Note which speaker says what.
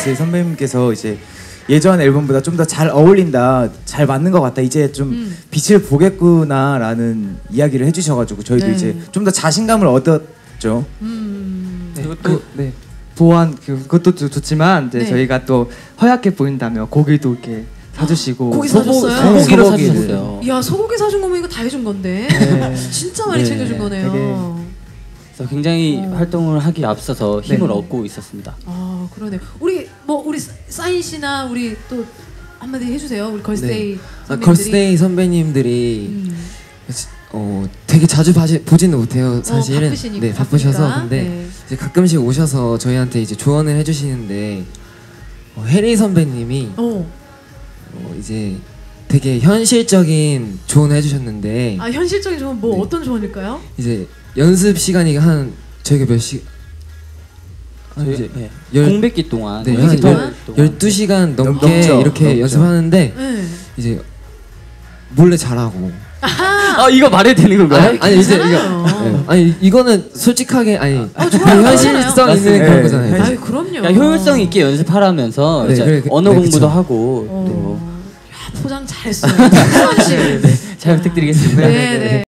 Speaker 1: 걸스데이 선배님께서 이제 예전 앨범보다 좀 더 잘 어울린다, 잘 맞는 것 같다, 이제 좀 빛을 보겠구나라는 이야기를 해주셔가지고 저희도 이제 좀 더 자신감을 얻었죠.
Speaker 2: 그리고 또 보안 그것도 좋지만 이제 저희가 또 허약해 보인다며 고기도 이렇게 사주시고
Speaker 3: 고기 사줬어요?
Speaker 4: 소고기로 사주셨어요.
Speaker 3: 이야, 소고기 사준 거면 이거 다 해준 건데 진짜 많이 챙겨준 거네요.
Speaker 4: 그래서 굉장히 활동을 하기 앞서서 힘을 얻고 있었습니다.
Speaker 3: 아, 그러네. 우리 사인 씨나 우리 또 한마디 해주세요. 우리 걸스데이 선배님들이.
Speaker 5: 걸스데이 선배님들이 되게 자주 보지는 못해요, 사실은.
Speaker 3: 바쁘시니까.
Speaker 5: 네, 바쁘셔서. 근데
Speaker 3: 네.
Speaker 5: 이제 가끔씩 오셔서 저희한테 이제 조언을 해주시는데 해리 선배님이 이제 되게 현실적인 조언을 해주셨는데.
Speaker 3: 아, 현실적인 조언 어떤 조언일까요?
Speaker 5: 이제 연습 시간이 저희가 몇 시?
Speaker 4: 이제 공백기 동안
Speaker 5: 12시간 넘게 이렇게 연습하는데 이제 몰래 잘하고.
Speaker 4: 아, 이거 말해도 되는 건가요?
Speaker 5: 아니 이제 이거는 솔직하게 현실성 있는 그런 거잖아요.
Speaker 3: 아유, 그럼요.
Speaker 4: 효율성 있게 연습하라면서 언어 공부도 하고 또
Speaker 3: 포장 잘했어요.
Speaker 4: 잘 부탁드리겠습니다.
Speaker 3: 네.